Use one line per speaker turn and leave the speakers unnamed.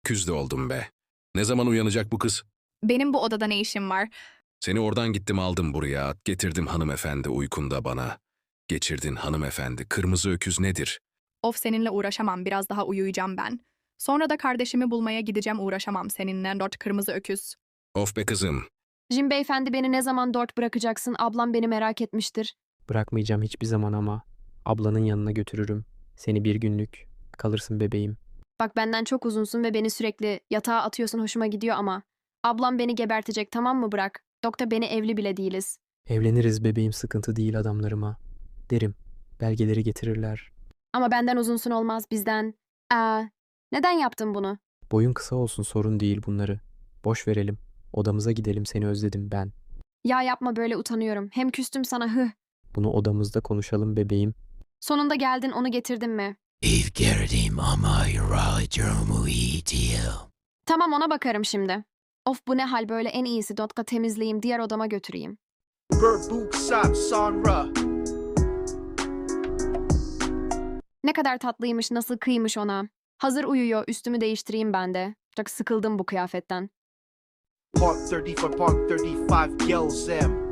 Küz de oldum be. Ne zaman uyanacak bu kız?
Benim bu odada ne işim var?
Seni oradan gittim aldım buraya. Getirdim hanımefendi uykunda bana. Geçirdin hanımefendi. Kırmızı öküz nedir?
Of seninle uğraşamam, biraz daha uyuyacağım ben. Sonra da kardeşimi bulmaya gideceğim, uğraşamam seninle dört kırmızı öküz.
Of be kızım.
Jim beyefendi beni ne zaman dört bırakacaksın? Ablam beni merak etmiştir.
Bırakmayacağım hiçbir zaman ama. Ablanın yanına götürürüm. Seni bir günlük. Kalırsın bebeğim.
Bak benden çok uzunsun ve beni sürekli yatağa atıyorsun hoşuma gidiyor ama. Ablam beni gebertecek tamam mı bırak? Doktor beni evli bile değiliz.
Evleniriz bebeğim sıkıntı değil adamlarıma. Derim. Belgeleri getirirler.
Ama benden uzunsun olmaz bizden. Neden yaptın bunu?
Boyun kısa olsun sorun değil bunları. Boş verelim. Odamıza gidelim seni özledim ben.
Ya yapma böyle utanıyorum. Hem küstüm sana hıh.
Bunu odamızda konuşalım bebeğim.
Sonunda geldin onu getirdin mi?
İv girdim ama yaralıcımı iyi değil.
Tamam ona bakarım şimdi. Of bu ne hal böyle en iyisi Dotka temizleyeyim diğer odama götüreyim.
Burbuk sap sonra.
Ne kadar tatlıymış nasıl kıymış ona. Hazır uyuyor üstümü değiştireyim ben de. Çok sıkıldım bu kıyafetten.
Park 30 for Park 35 kills them.